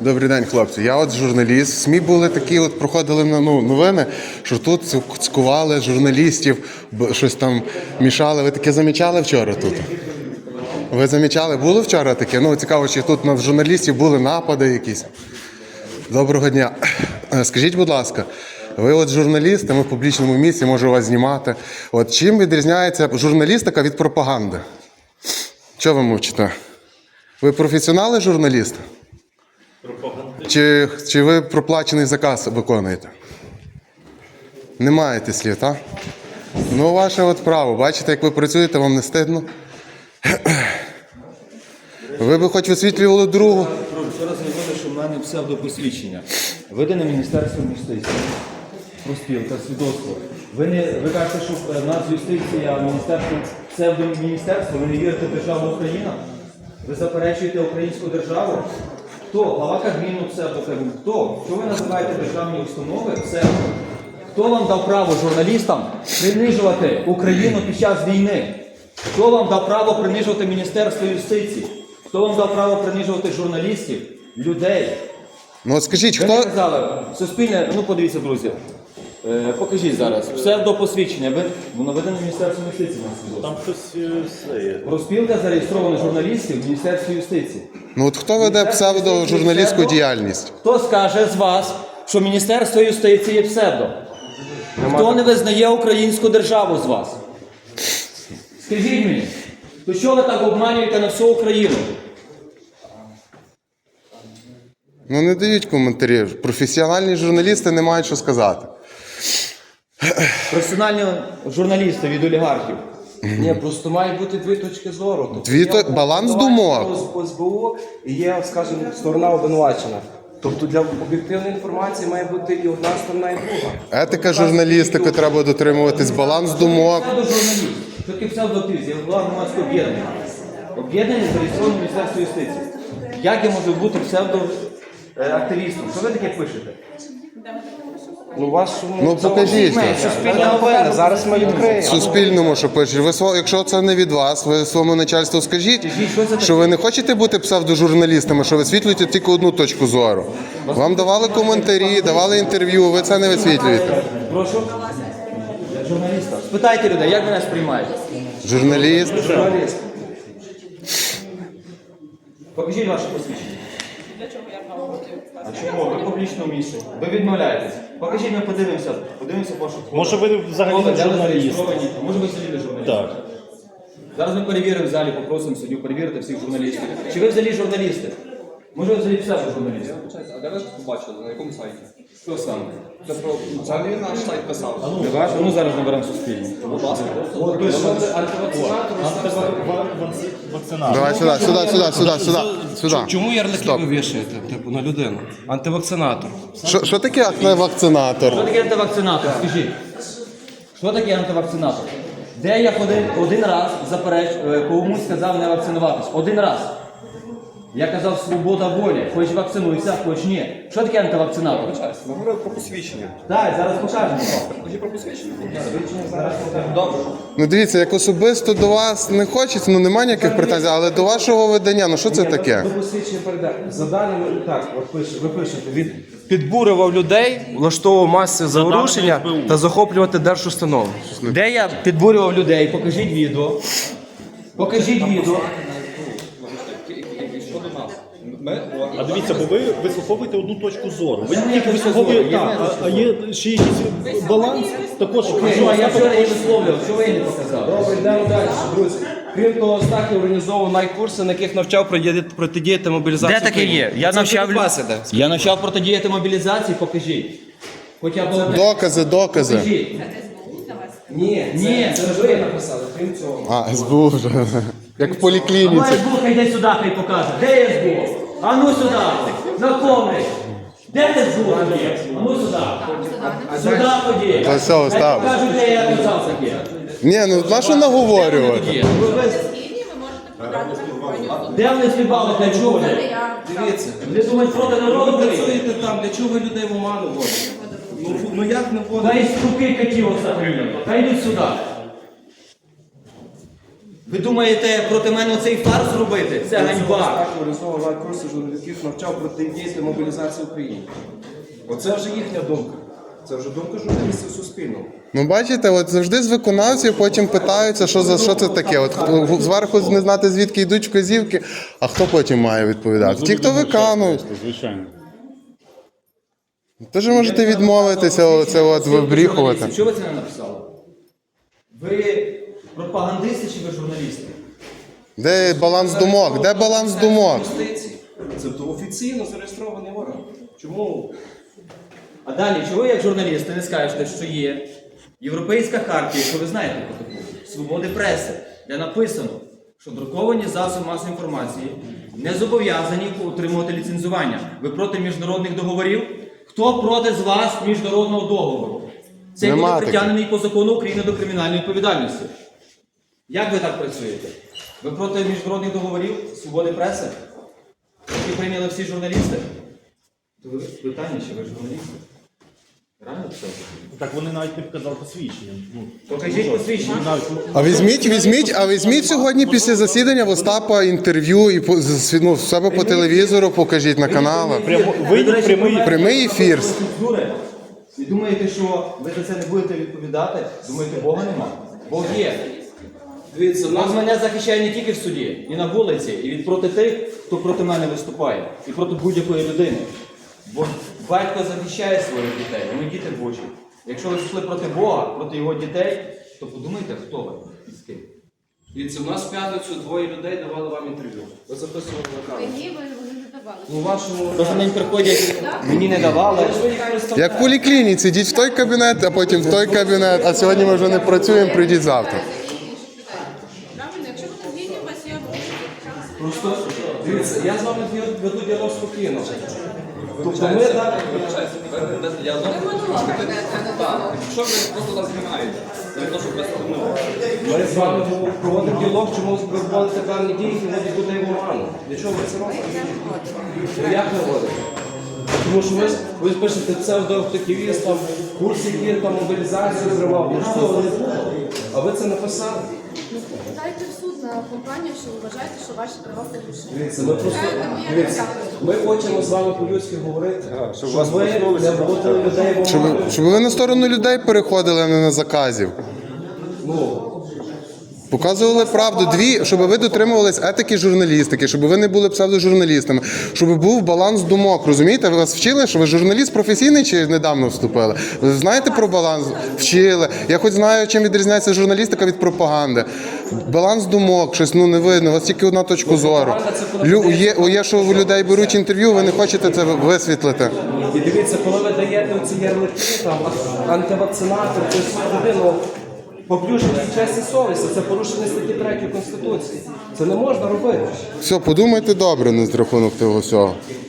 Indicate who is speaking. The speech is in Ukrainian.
Speaker 1: Добрий день, хлопці. Я от журналіст. В СМІ були такі, от проходили новини, що тут цькували журналістів, щось там мішали. Ви таке замічали вчора тут? Ви замічали? Було вчора таке? Ну, цікаво, чи тут на журналістів були напади якісь? Доброго дня. Скажіть, будь ласка, ви от журналісти, ми в публічному місці, можу вас знімати. От чим відрізняється журналістика від пропаганди? Чого ви мовчите? Ви професіонали журналісти? Чи ви проплачений заказ виконуєте? Не маєте слів, так? Ну, ваше от право. Бачите, як ви працюєте, вам не стидно? Ви би хоч висвітлювали другу.
Speaker 2: Вчора заявили, що в мене псевдопосвідчення. Видане Міністерством юстиції. Розпілка, свідоцтво. Ви кажете, що в нас юстиція, міністерство, псевдоміністерство, ви не вірите в державу Україна? Ви заперечуєте українську державу? Хто? Глава Кабміну псевдокабмін. Хто? Що ви називаєте державні установи псевдо? Хто вам дав право журналістам принижувати Україну під час війни? Хто вам дав право принижувати Міністерство юстиції? Хто вам дав право принижувати журналістів, людей?
Speaker 1: Ну от скажіть,
Speaker 2: Ви
Speaker 1: хто...
Speaker 2: не казали, суспільне, ну подивіться, друзі, покажіть зараз, псевдопосвідчення, воно видане Міністерством юстиції.
Speaker 3: Там щось є.
Speaker 2: Розпілка зареєстрована журналістів в Міністерстві юстиції.
Speaker 1: Ну от хто веде псевдожурналістську діяльність?
Speaker 2: Хто скаже з вас, що Міністерство юстиції є псевдо? Хто не визнає українську державу з вас? Скажіть мені, то що ви так обманюєте на всю Україну?
Speaker 1: Ну не дають коментарів. Професіональні журналісти не мають що сказати.
Speaker 2: Професіональні журналісти від олігархів.
Speaker 4: Ні, просто має бути дві точки зору.
Speaker 1: Баланс думок.
Speaker 4: З СБУ і є, скажімо, сторона обвинувачена. Тобто для об'єктивної інформації має бути і одна сторона, і друга.
Speaker 1: Етика журналістики треба дотримуватись, баланс думок.
Speaker 2: Псевдожурналіст. Що таке псевдоактивіст? Я голова громадського об'єднання. Об'єднання зареєстроване в Міністерстві юстиції. Як я можу бути псевдоактивістом? Що ви таке пишете?
Speaker 4: Ну, вашому...
Speaker 1: Ну покажіть.
Speaker 4: Суспільне новини, зараз ми відкриємо.
Speaker 1: Суспільному, що пишуть. Якщо це не від вас, ви своєму начальству скажіть, що ви не хочете бути псевдожурналістами, що висвітлюєте тільки одну точку зору. Вам давали коментарі, давали інтерв'ю, ви це не висвітлюєте.
Speaker 2: Прошу? Журналіста. Спитайте людей, як мене сприймають?
Speaker 1: Журналіст.
Speaker 2: Покажіть ваше посвідчення.
Speaker 5: Для чого я право хотів
Speaker 2: А чому? Ви в публічному місці. Ви відмовляєтесь. Покажіть, ми подивимося. Подивимося вашу фото.
Speaker 3: Може ви взагалі не журналіст?
Speaker 2: Може ви взагалі не журналіст?
Speaker 3: Так.
Speaker 2: Зараз ми перевіримо в залі, попросимо суддю перевірити всіх журналістів. Чи ви взагалі журналісти? Може ви взагалі псевдожурналісти?
Speaker 6: А де ви побачили? На якому сайті?
Speaker 2: Що саме?
Speaker 6: Це про взагалі наш сайт писав.
Speaker 2: Не ваш? Ну зараз наберемо суспільне.
Speaker 6: Будь ласка.
Speaker 3: Вакцинація.
Speaker 1: Давай сюди.
Speaker 4: Чому ярлики ви вішаєте, типу, на людину? Антивакцинатор.
Speaker 1: Що таке вакцинатор?
Speaker 2: Що таке антивакцинатор? Скажіть. Що таке антивакцинатор? Де я один раз комусь сказав не вакцинуватись? Один раз. Я казав, свобода волі. Хоч вакцинуйся, хоч ні. Що таке антивакцинатор?
Speaker 6: Ми говорили про посвідчення.
Speaker 2: Так, зараз покажемо.
Speaker 6: Покажіть про посвідчення. Зараз покажемо. Добре.
Speaker 1: Ну дивіться, як особисто до вас не хочеться, ну немає ніяких претензій, але до вашого видання, ну що це таке?
Speaker 4: До посвідчення передати. За даними, так, ви пишете, він підбурював людей, влаштовував маси заворушення та захоплювати держустанови.
Speaker 2: Де я підбурював людей? Покажіть відео. Покажіть відео.
Speaker 3: А дивіться, бо ви вислуховуєте одну точку зору. Ви
Speaker 2: Це
Speaker 3: не
Speaker 2: не
Speaker 3: тільки
Speaker 2: точка
Speaker 3: вислуховуєте,
Speaker 2: зору,
Speaker 3: так, а є ще якийсь баланс, також.
Speaker 2: Ну, а я вчора її висловлював, що ви її не показали?
Speaker 4: Добре, йдемо далі, друзі. Крім того, Стахів організовував найкурси, на яких навчав протидіяти мобілізації.
Speaker 2: Де таке є? Я навчав
Speaker 4: іде.
Speaker 2: Я навчав протидіяти мобілізації, покажіть. Хоча б одне.
Speaker 1: Докази.
Speaker 2: Покажіть.
Speaker 4: Ні, це ж ви написали, крім цього.
Speaker 1: А, СБУ вже. Як в
Speaker 2: А
Speaker 1: поліклініці.
Speaker 2: СБУ, йди сюди, хай покаже. Де є СБУ? А ну сюди. Знакомий. Де ти СБУ? А ну сюди. Сюди ході.
Speaker 1: Та все,
Speaker 2: Хай
Speaker 1: остав.
Speaker 2: покажуть, де я казав таке.
Speaker 1: Ні, ну на що наговорювати?
Speaker 5: ви можете подати на компанію.
Speaker 2: Де вони співали, для чого?
Speaker 4: Дивіться,
Speaker 2: Вони думають проти
Speaker 4: ви
Speaker 2: народу.
Speaker 4: працюєте там, для чого ви людей в оману вводите? Ну як не вводите?
Speaker 2: Та із руки котів оце прийняли. Та йдуть сюди. Ви думаєте проти мене цей фарс зробити? Це ганьба.
Speaker 4: Організовував курси журналістів, навчав протидіяти мобілізації України. Оце вже їхня думка. Це вже думка журналістів Суспільного.
Speaker 1: Ну бачите, от завжди з виконавців потім питаються, що це таке. От зверху не знати, звідки йдуть вказівки, а хто потім має відповідати? Ті, хто виконують.
Speaker 7: Звичайно.
Speaker 1: Тож можете відмовитися, оце от вибріхувати.
Speaker 2: Чого ви це не написали? Ви пропагандисти чи ви журналісти?
Speaker 1: Де баланс думок? Де баланс думок?
Speaker 4: Юстиції. Це офіційно зареєстрований орган. Чому?
Speaker 2: А далі, чого ви як журналісти не скажете, що є Європейська хартія, що ви знаєте про таку, свободи преси, де написано, що друковані засоби масової інформації не зобов'язані отримувати ліцензування. Ви проти міжнародних договорів? Хто проти з вас міжнародного договору? Це
Speaker 1: Нема
Speaker 2: буде
Speaker 1: таких.
Speaker 2: притягнений по закону України до кримінальної відповідальності. Як ви так працюєте? Ви проти міжнародних договорів, свободи преси, які прийняли всі журналісти? То ви питання, чи ви журналісти? Реально це?
Speaker 7: Так вони навіть не показали посвідчення.
Speaker 2: Покажіть посвідчення.
Speaker 1: А візьміть сьогодні після засідання в Остапа інтерв'ю і в себе по телевізору покажіть на каналах.
Speaker 2: Ви, до речі,
Speaker 1: Прямий ефір.
Speaker 2: процедури. І думаєте, що ви за це не будете відповідати? Думаєте, Бога нема? Бог є.
Speaker 4: Дивіться,
Speaker 2: Бог мене захищає не тільки в суді, і на вулиці, і від проти тих, хто проти мене виступає, і проти будь-якої людини. Бо батько захищає своїх дітей, а ми діти Божі. Якщо ви пішли проти Бога, проти його дітей, то подумайте, хто ви і з ким.
Speaker 4: Дивіться, у нас в п'ятницю двоє людей давали вам інтерв'ю. Ви записували на камеру.
Speaker 5: Ні, вони не давали.
Speaker 4: У вашому...
Speaker 2: Кожен день приходять, мені не давали.
Speaker 1: Як в поліклініці, йдіть в той кабінет, а потім в той кабінет, а сьогодні ми вже не працюємо, прийдіть завтра.
Speaker 5: Правильно, якщо ви не згідні, у вас є
Speaker 4: Просто, дивіться, я з вами веду діалог спокійно. Тобто ми так...
Speaker 6: Я знову
Speaker 5: ви монолог ведете, а не діалог.
Speaker 6: що ви просто нас знімаєте? Це не то, що без тому.
Speaker 4: Ми з вами проводимо діалог, чому ви проводите певні дії, які вводять людей в оману. Для чого ви це робите? Ну як ви робите? Тому що ви пишете псевдоактивіст, там, курс, який там мобілізацію зривав. Ну що, ви не було? А ви це написали?
Speaker 5: Дайте в суд на компанію, що ви вважаєте, що ваші права порушені.
Speaker 4: Дивіться, ми просто... Дивіться, ми хочемо з вами по-людськи говорити, щоб ви не вводили людей в оману.
Speaker 1: Щоб ви на сторону людей переходили, а не на заказів.
Speaker 4: Ну,
Speaker 1: Показували правду, щоб ви дотримувались етики журналістики, щоб ви не були псевдожурналістами, щоб був баланс думок, розумієте? Ви вас вчили, що ви журналіст професійний чи недавно вступили? Ви знаєте про баланс? Вчили. Я хоч знаю, чим відрізняється журналістика від пропаганди. Баланс думок, щось не видно, у вас тільки одна точка зору. Є, що у людей беруть інтерв'ю, ви не хочете це висвітлити.
Speaker 4: і дивіться, коли ви даєте оці ярлики, там, антивакцинатор, це людину, поплюження честі совісті, це порушення статті 3 Конституції. Це не можна робити.
Speaker 1: Все, подумайте добре на рахунок того всього.